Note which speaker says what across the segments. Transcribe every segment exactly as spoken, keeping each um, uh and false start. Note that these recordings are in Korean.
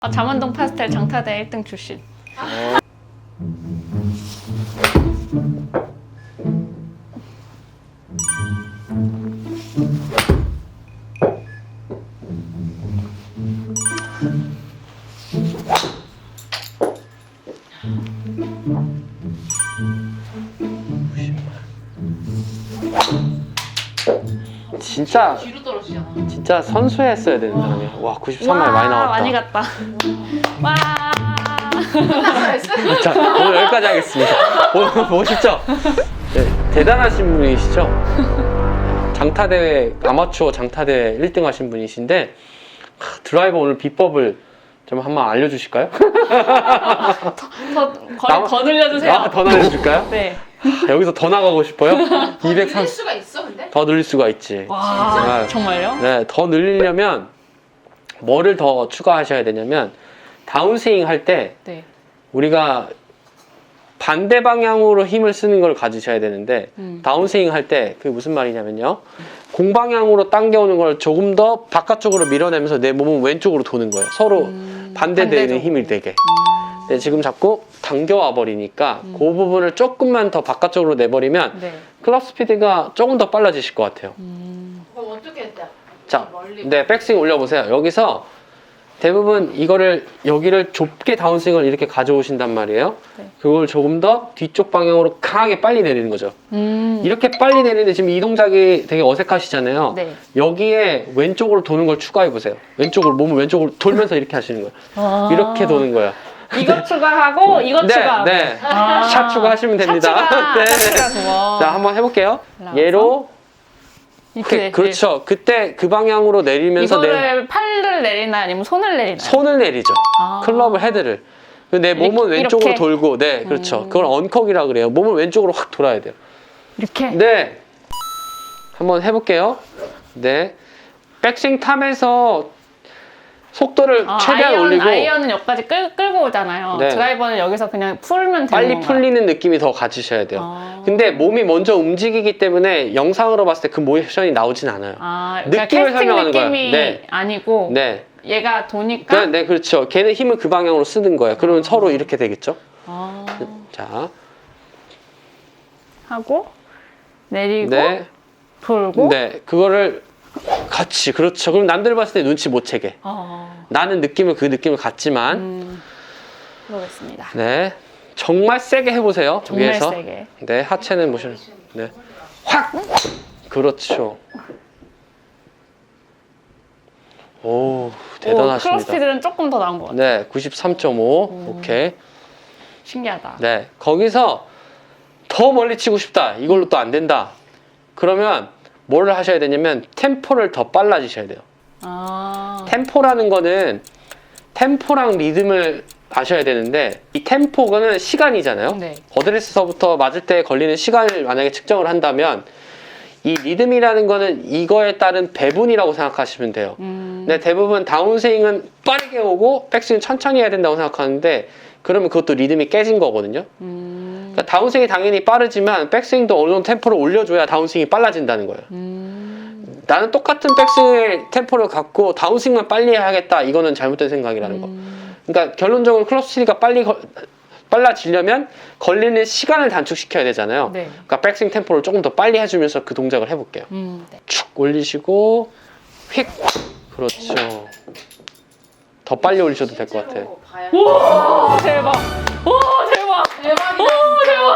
Speaker 1: 아, 잠원동 파스텔 장타대 일 등 출신.
Speaker 2: 진짜
Speaker 3: 뒤로 떨어지잖아.
Speaker 2: 진짜 선수했어야 되는 사람이야. 와 구십삼 마일 많이 나왔다.
Speaker 1: 많이 갔다. 와.
Speaker 2: 자 오늘 여기까지 하겠습니다. 오늘 멋있죠? 네, 대단하신 분이시죠? 장타대회 아마추어 장타대회 일 등 하신 분이신데 하, 드라이버 오늘 비법을 좀 한번 알려주실까요?
Speaker 1: 더, 거리 더 늘려주세요.
Speaker 2: 아, 더 알려줄까요?
Speaker 1: 네.
Speaker 2: 하, 여기서 더 나가고 싶어요?
Speaker 3: 늘릴
Speaker 2: 이백삼십
Speaker 3: 수가 있어 근데?
Speaker 2: 더 늘릴 수가 있지.
Speaker 1: 와,
Speaker 2: 아,
Speaker 1: 정말요?
Speaker 2: 네, 더 늘리려면 뭐를 더 추가하셔야 되냐면 다운스윙 할 때
Speaker 1: 네.
Speaker 2: 우리가 반대 방향으로 힘을 쓰는 걸 가지셔야 되는데
Speaker 1: 음.
Speaker 2: 다운스윙 할 때 그게 무슨 말이냐면요, 공방향으로 당겨오는 걸 조금 더 바깥쪽으로 밀어내면서 내 몸은 왼쪽으로 도는 거예요. 서로
Speaker 1: 음,
Speaker 2: 반대되는
Speaker 1: 반대죠.
Speaker 2: 힘이 되게.
Speaker 1: 음.
Speaker 2: 근데 지금 자꾸 당겨와 버리니까
Speaker 1: 음.
Speaker 2: 그 부분을 조금만 더 바깥쪽으로 내버리면
Speaker 1: 네.
Speaker 2: 클럽 스피드가 조금 더 빨라지실 것 같아요.
Speaker 1: 음.
Speaker 3: 그럼 어떻게 했대?
Speaker 2: 자,
Speaker 3: 멀리.
Speaker 2: 네, 백스윙 올려보세요. 여기서 대부분 이거를 여기를 좁게 다운스윙을 이렇게 가져오신단 말이에요.
Speaker 1: 네.
Speaker 2: 그걸 조금 더 뒤쪽 방향으로 강하게 빨리 내리는 거죠.
Speaker 1: 음.
Speaker 2: 이렇게 빨리 내리는데 지금 이 동작이 되게 어색하시잖아요.
Speaker 1: 네.
Speaker 2: 여기에 왼쪽으로 도는 걸 추가해 보세요. 왼쪽으로 몸을 왼쪽으로 돌면서 이렇게 하시는 거예요.
Speaker 1: 아.
Speaker 2: 이렇게 도는 거예요.
Speaker 1: 이거 추가하고 이거
Speaker 2: 네,
Speaker 1: 추가하고.
Speaker 2: 네.
Speaker 1: 아.
Speaker 2: 샷 추가하시면 됩니다.
Speaker 1: 샷 추가.
Speaker 2: 네.
Speaker 1: 샷 추가 좋아.
Speaker 2: 자, 한번 해볼게요.
Speaker 1: 올라가서.
Speaker 2: 얘로
Speaker 1: 이렇게
Speaker 2: 오케이, 그렇죠. 그때 그 방향으로 내리면서 내
Speaker 1: 이거를 팔을 내리나요? 아니면 손을 내리나요?
Speaker 2: 손을 내리죠.
Speaker 1: 아.
Speaker 2: 클럽을 헤드를. 내 몸은
Speaker 1: 이렇게?
Speaker 2: 왼쪽으로
Speaker 1: 이렇게?
Speaker 2: 돌고, 네, 그렇죠.
Speaker 1: 음.
Speaker 2: 그걸 언컥이라 그래요. 몸을 왼쪽으로 확 돌아야 돼요.
Speaker 1: 이렇게.
Speaker 2: 네, 한번 해볼게요. 네, 백스윙 탑에서 속도를
Speaker 1: 아,
Speaker 2: 최대한
Speaker 1: 아이언,
Speaker 2: 올리고
Speaker 1: 아이언은 여기까지 끌, 끌고 오잖아요.
Speaker 2: 네.
Speaker 1: 드라이버는 여기서 그냥 풀면 되는
Speaker 2: 빨리
Speaker 1: 건가요?
Speaker 2: 풀리는 느낌이 더 가지셔야 돼요.
Speaker 1: 아.
Speaker 2: 근데 몸이 먼저 움직이기 때문에 영상으로 봤을 때 그 모션이 나오진 않아요.
Speaker 1: 아, 그러니까
Speaker 2: 느낌을
Speaker 1: 캐스팅
Speaker 2: 설명하는 거예요.
Speaker 1: 느낌이
Speaker 2: 네.
Speaker 1: 아니고
Speaker 2: 네,
Speaker 1: 얘가 도니까
Speaker 2: 네, 네, 그렇죠. 걔는 힘을 그 방향으로 쓰는 거예요. 그러면 서로 이렇게 되겠죠.
Speaker 1: 아,
Speaker 2: 자,
Speaker 1: 하고 내리고
Speaker 2: 네,
Speaker 1: 돌고
Speaker 2: 네, 그거를 같이, 그렇죠. 그럼 남들 봤을 때 눈치 못 채게.
Speaker 1: 어,
Speaker 2: 나는 느낌을 그 느낌을 갖지만,
Speaker 1: 음, 해보겠습니다.
Speaker 2: 네, 정말 세게 해보세요.
Speaker 1: 정말
Speaker 2: 위에서.
Speaker 1: 세게.
Speaker 2: 네, 하체는 모션. 네, 확. 그렇죠. 오, 대단하십니다.
Speaker 1: 클럽 스피드는 조금 더 나은 것 같아요.
Speaker 2: 네, 구십삼 점 오.
Speaker 1: 음.
Speaker 2: 오케이.
Speaker 1: 신기하다.
Speaker 2: 네, 거기서 더 멀리 치고 싶다. 이걸로 또 안 된다. 그러면 뭘 하셔야 되냐면 템포를 더 빨라지셔야 돼요.
Speaker 1: 아,
Speaker 2: 템포라는 거는 템포랑 리듬을 아셔야 되는데, 이 템포는 시간이잖아요.
Speaker 1: 네.
Speaker 2: 어드레스서부터 맞을 때 걸리는 시간을 만약에 측정을 한다면 이 리듬이라는 거는 이거에 따른 배분이라고 생각하시면 돼요.
Speaker 1: 음,
Speaker 2: 근데 대부분 다운스윙은 빠르게 오고 백스윙 천천히 해야 된다고 생각하는데, 그러면 그것도 리듬이 깨진 거거든요.
Speaker 1: 음,
Speaker 2: 그러니까 다운스윙이 당연히 빠르지만 백스윙도 어느 정도 템포를 올려줘야 다운스윙이 빨라진다는 거예요.
Speaker 1: 음,
Speaker 2: 나는 똑같은 백스윙의 템포를 갖고 다운스윙만 빨리 해야겠다, 이거는 잘못된 생각이라는 거.
Speaker 1: 음,
Speaker 2: 그러니까 결론적으로 클럽 스피드가 빨리 거, 빨라지려면 걸리는 시간을 단축시켜야 되잖아요.
Speaker 1: 네.
Speaker 2: 그러니까 백스윙 템포를 조금 더 빨리 해주면서 그 동작을 해볼게요.
Speaker 1: 음, 네.
Speaker 2: 축 올리시고 휙. 그렇죠. 더 빨리 올리셔도 될 것 같아요.
Speaker 1: 우와, 대박. 우와, 대박.
Speaker 3: 대박이다.
Speaker 1: 오, 대박.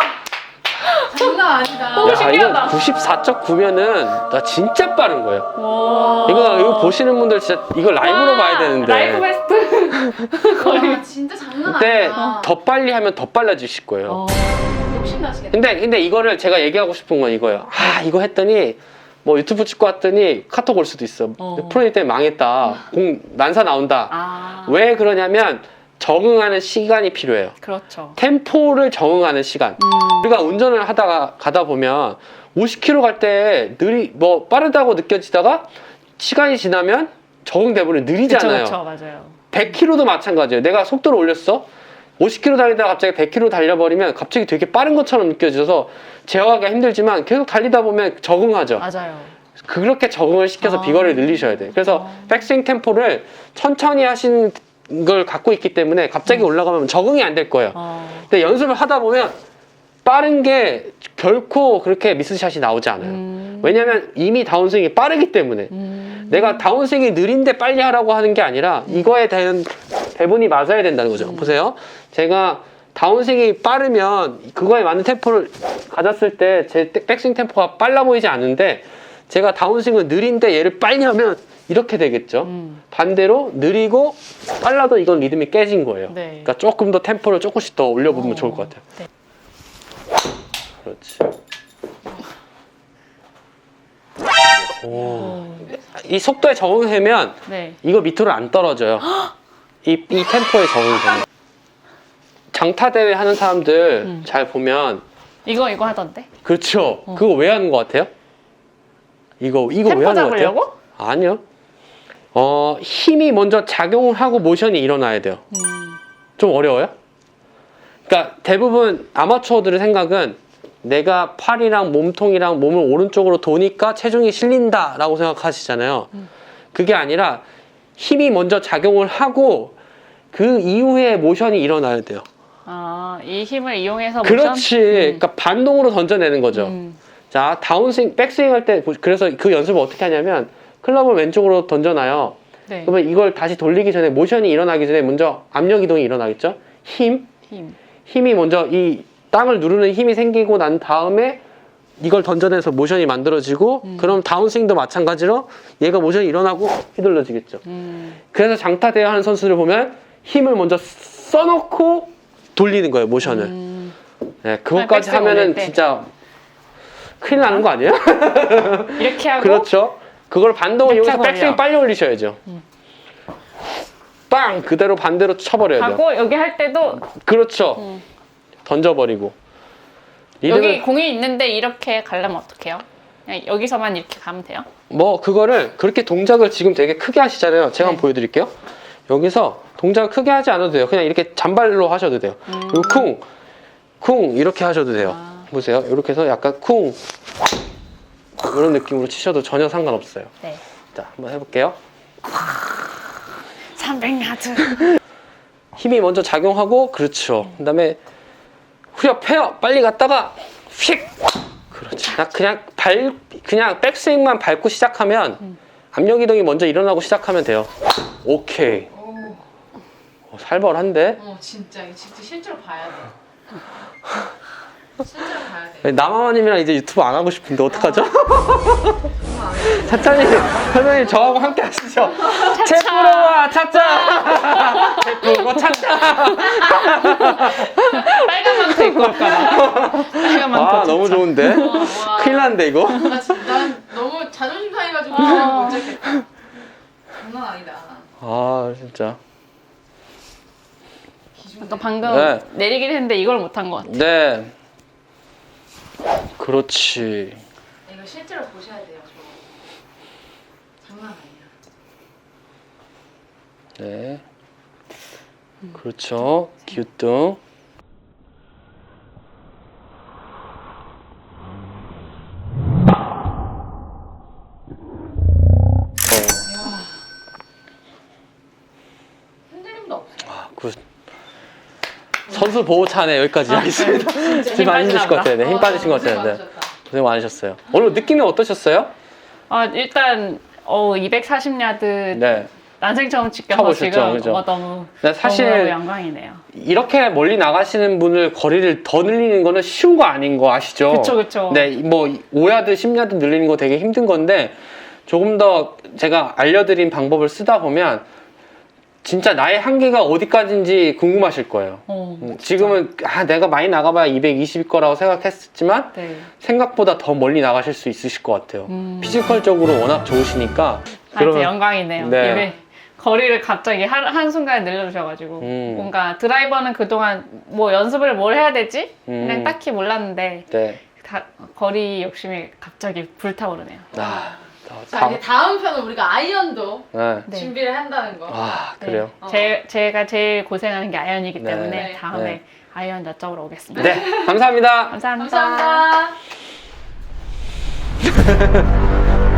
Speaker 3: 장난 아니다.
Speaker 1: 오,
Speaker 2: 야,
Speaker 1: 신기하다.
Speaker 2: 이거 구십사 점 구면은 나 진짜 빠른 거예요.
Speaker 1: 와.
Speaker 2: 이거 이거 보시는 분들 진짜 이거 라이브로
Speaker 1: 와,
Speaker 2: 봐야 되는데.
Speaker 1: 라이브 베스트. 거의.
Speaker 3: 와, 진짜 장난
Speaker 2: 근데
Speaker 3: 아니다.
Speaker 2: 더 빨리 하면 더 빨라지실 거예요.
Speaker 1: 어.
Speaker 3: 욕심 나시겠다.
Speaker 2: 근데 근데 이거를 제가 얘기하고 싶은 건 이거예요. 아, 이거 했더니 뭐 유튜브 찍고 왔더니 카톡 올 수도 있어.
Speaker 1: 어.
Speaker 2: 프로님 때문에 망했다. 공 난사 나온다.
Speaker 1: 아.
Speaker 2: 왜 그러냐면 적응하는 시간이 필요해요.
Speaker 1: 그렇죠.
Speaker 2: 템포를 적응하는 시간.
Speaker 1: 음.
Speaker 2: 우리가 운전을 하다가 가다 보면 오십 킬로미터 갈 때 느리 뭐 빠르다고 느껴지다가 시간이 지나면 적응돼 버리면 느리잖아요.
Speaker 1: 그쵸, 그쵸, 맞아요.
Speaker 2: 백 킬로미터도 마찬가지예요. 내가 속도를 올렸어. 오십 킬로미터 달리다가 갑자기 백 킬로미터 달려버리면 갑자기 되게 빠른 것처럼 느껴져서 제어하기가 힘들지만 계속 달리다 보면 적응하죠.
Speaker 1: 맞아요.
Speaker 2: 그렇게 적응을 시켜서
Speaker 1: 아.
Speaker 2: 비거리를 늘리셔야 돼요. 그래서
Speaker 1: 아.
Speaker 2: 백스윙 템포를 천천히 하신 걸 갖고 있기 때문에 갑자기 올라가면 적응이 안 될 거예요.
Speaker 1: 어.
Speaker 2: 근데 연습을 하다 보면 빠른 게 결코 그렇게 미스샷이 나오지 않아요.
Speaker 1: 음.
Speaker 2: 왜냐면 이미 다운스윙이 빠르기 때문에.
Speaker 1: 음.
Speaker 2: 내가 다운스윙이 느린데 빨리 하라고 하는 게 아니라 이거에 대한 배분이 맞아야 된다는 거죠.
Speaker 1: 음.
Speaker 2: 보세요. 제가 다운스윙이 빠르면 그거에 맞는 템포를 가졌을 때 제 백스윙 템포가 빨라 보이지 않는데 제가 다운스윙은 느린데 얘를 빨리 하면 이렇게 되겠죠.
Speaker 1: 음.
Speaker 2: 반대로 느리고 빨라도 이건 리듬이 깨진 거예요.
Speaker 1: 네.
Speaker 2: 그러니까 조금 더 템포를 조금씩 더 올려보면
Speaker 1: 어.
Speaker 2: 좋을 것 같아요.
Speaker 1: 네.
Speaker 2: 그렇지. 오. 이 속도에 적응하면
Speaker 1: 네.
Speaker 2: 이거 밑으로 안 떨어져요. 이, 이 템포에 적응이 되면. 장타 대회 하는 사람들
Speaker 1: 음.
Speaker 2: 잘 보면
Speaker 1: 이거 이거 하던데.
Speaker 2: 그렇죠.
Speaker 1: 어.
Speaker 2: 그거 왜 하는 것 같아요? 이거 이거 왜
Speaker 1: 템포
Speaker 2: 하는 것 같아요?
Speaker 1: 잡으려고?
Speaker 2: 아니요. 어 힘이 먼저 작용을 하고 모션이 일어나야 돼요.
Speaker 1: 음.
Speaker 2: 좀 어려워요? 그러니까 대부분 아마추어들의 생각은 내가 팔이랑 몸통이랑 몸을 오른쪽으로 도니까 체중이 실린다라고 생각하시잖아요.
Speaker 1: 음.
Speaker 2: 그게 아니라 힘이 먼저 작용을 하고 그 이후에 모션이 일어나야 돼요.
Speaker 1: 아, 이 힘을 이용해서 모션?
Speaker 2: 그렇지.
Speaker 1: 음.
Speaker 2: 그러니까 반동으로 던져내는 거죠.
Speaker 1: 음.
Speaker 2: 자, 다운스윙, 백스윙 할 때 그래서 그 연습을 어떻게 하냐면 클럽을 왼쪽으로 던져놔요.
Speaker 1: 네.
Speaker 2: 그러면 이걸 다시 돌리기 전에 모션이 일어나기 전에 먼저 압력 이동이 일어나겠죠? 힘,
Speaker 1: 힘.
Speaker 2: 힘이 먼저 이 땅을 누르는 힘이 생기고 난 다음에 이걸 던져내서 모션이 만들어지고
Speaker 1: 음.
Speaker 2: 그럼 다운스윙도 마찬가지로 얘가 모션이 일어나고 휘둘러지겠죠.
Speaker 1: 음.
Speaker 2: 그래서 장타 대회 하는 선수를 보면 힘을 먼저 써놓고 돌리는 거예요, 모션을.
Speaker 1: 음.
Speaker 2: 네, 그것까지
Speaker 1: 백스윙 올릴
Speaker 2: 하면은
Speaker 1: 때.
Speaker 2: 진짜 큰일 나는 거 아니에요?
Speaker 1: 이렇게 하고
Speaker 2: 그렇죠. 그걸 반동을
Speaker 1: 이렇게
Speaker 2: 이용해서 백스윙
Speaker 1: 걸려.
Speaker 2: 빨리 올리셔야죠.
Speaker 1: 음.
Speaker 2: 빵! 그대로 반대로 쳐버려야죠.
Speaker 1: 하고 여기 할 때도
Speaker 2: 그렇죠.
Speaker 1: 음.
Speaker 2: 던져버리고.
Speaker 1: 여기
Speaker 2: 리듬을-
Speaker 1: 공이 있는데 이렇게 가려면 어떡해요? 그냥 여기서만 이렇게 가면 돼요?
Speaker 2: 뭐 그거를 그렇게 동작을 지금 되게 크게 하시잖아요. 제가
Speaker 1: 네.
Speaker 2: 한번 보여드릴게요. 여기서 동작을 크게 하지 않아도 돼요. 그냥 이렇게 잔발로 하셔도 돼요.
Speaker 1: 음.
Speaker 2: 그리고 쿵! 쿵! 이렇게 하셔도 돼요.
Speaker 1: 아.
Speaker 2: 보세요. 이렇게 해서 약간 쿵! 이런 느낌으로 치셔도 전혀 상관없어요.
Speaker 1: 네.
Speaker 2: 자, 한번 해볼게요.
Speaker 1: 삼백 야드.
Speaker 2: 힘이 먼저 작용하고 그렇죠. 그 다음에 후려 패요. 빨리 갔다가 휙. 그렇지. 나 그냥 발 그냥 백스윙만 밟고 시작하면
Speaker 1: 음.
Speaker 2: 압력 이동이 먼저 일어나고 시작하면 돼요. 오케이.
Speaker 3: 오,
Speaker 2: 어, 살벌한데.
Speaker 3: 어 진짜 이거 진짜 실제로 봐야 돼. 실제로 봐야 돼.
Speaker 2: 남아마님이랑 이제 유튜브 안 하고 싶은데 어떡하죠?
Speaker 3: 정말 안 돼.
Speaker 2: 차차님, 차차님 저하고 함께 하시죠. 채프로와 차차. 채프로 차차.
Speaker 1: 빨간 망토 입고 올까봐. 빨간 망토.
Speaker 2: 아 너무 좋은데.
Speaker 3: 와.
Speaker 2: 큰일 났는데 이거.
Speaker 3: 나 진짜 난 너무 자존심 상해가지고
Speaker 1: 아.
Speaker 3: 그냥 못 잡겠다. 장난 아니다.
Speaker 2: 아 진짜.
Speaker 3: 기준.
Speaker 1: 아까 방금
Speaker 2: 네.
Speaker 1: 내리긴 했는데 이걸 못한 것 같아.
Speaker 2: 네. 그렇지.
Speaker 3: 이거 실제로 보셔야 돼요. 저. 장난 아니야.
Speaker 2: 네. 그렇죠. 기우뚱. 어,
Speaker 3: 흔들림도 없어.
Speaker 2: 아, 그 선수 보호차네 여기까지 하겠습니다. 지금 안 힘드실 것 같아요. 네, 힘 빠지신 것 같아요. 네. 고생 많으셨어요. 오늘 느낌이 어떠셨어요?
Speaker 1: 아, 일단 어, 이백사십 야드
Speaker 2: 네.
Speaker 1: 난생 처음 찍혀서
Speaker 2: 쳐보셨죠,
Speaker 1: 지금
Speaker 2: 그죠?
Speaker 1: 어, 너무
Speaker 2: 네, 사실
Speaker 1: 너무 영광이네요.
Speaker 2: 이렇게 멀리 나가시는 분을 거리를 더 늘리는 거는 쉬운 거 아닌 거 아시죠?
Speaker 1: 그쵸, 그쵸.
Speaker 2: 네, 뭐 오 야드, 십 야드 늘리는 거 되게 힘든 건데 조금 더 제가 알려드린 방법을 쓰다 보면 진짜 나의 한계가 어디까지인지 궁금하실 거예요.
Speaker 1: 어,
Speaker 2: 음, 지금은 아 내가 많이 나가봐야 이백이십일 거라고 생각했지만
Speaker 1: 네.
Speaker 2: 생각보다 더 멀리 나가실 수 있으실 것 같아요.
Speaker 1: 음.
Speaker 2: 피지컬적으로 워낙 좋으시니까
Speaker 1: 아, 진짜 영광이네요.
Speaker 2: 네.
Speaker 1: 이게 거리를 갑자기 한, 한순간에 늘려주셔가지고
Speaker 2: 음.
Speaker 1: 뭔가 드라이버는 그동안 뭐 연습을 뭘 해야 되지?
Speaker 2: 음.
Speaker 1: 그냥 딱히 몰랐는데
Speaker 2: 네.
Speaker 1: 다, 거리 욕심이 갑자기 불타오르네요.
Speaker 2: 아,
Speaker 3: 자
Speaker 2: 다,
Speaker 3: 이제 다음 편은 우리가 아이언도
Speaker 2: 네.
Speaker 1: 네.
Speaker 3: 준비를 한다는 거.
Speaker 2: 아
Speaker 1: 네.
Speaker 2: 그래요.
Speaker 3: 어.
Speaker 1: 제, 제가 제일 고생하는 게 아이언이기
Speaker 2: 네.
Speaker 1: 때문에
Speaker 3: 네.
Speaker 1: 다음에
Speaker 2: 네.
Speaker 1: 아이언 여쭤보러 오겠습니다.
Speaker 2: 네, 감사합니다.
Speaker 1: 감사합니다.
Speaker 3: 감사합니다.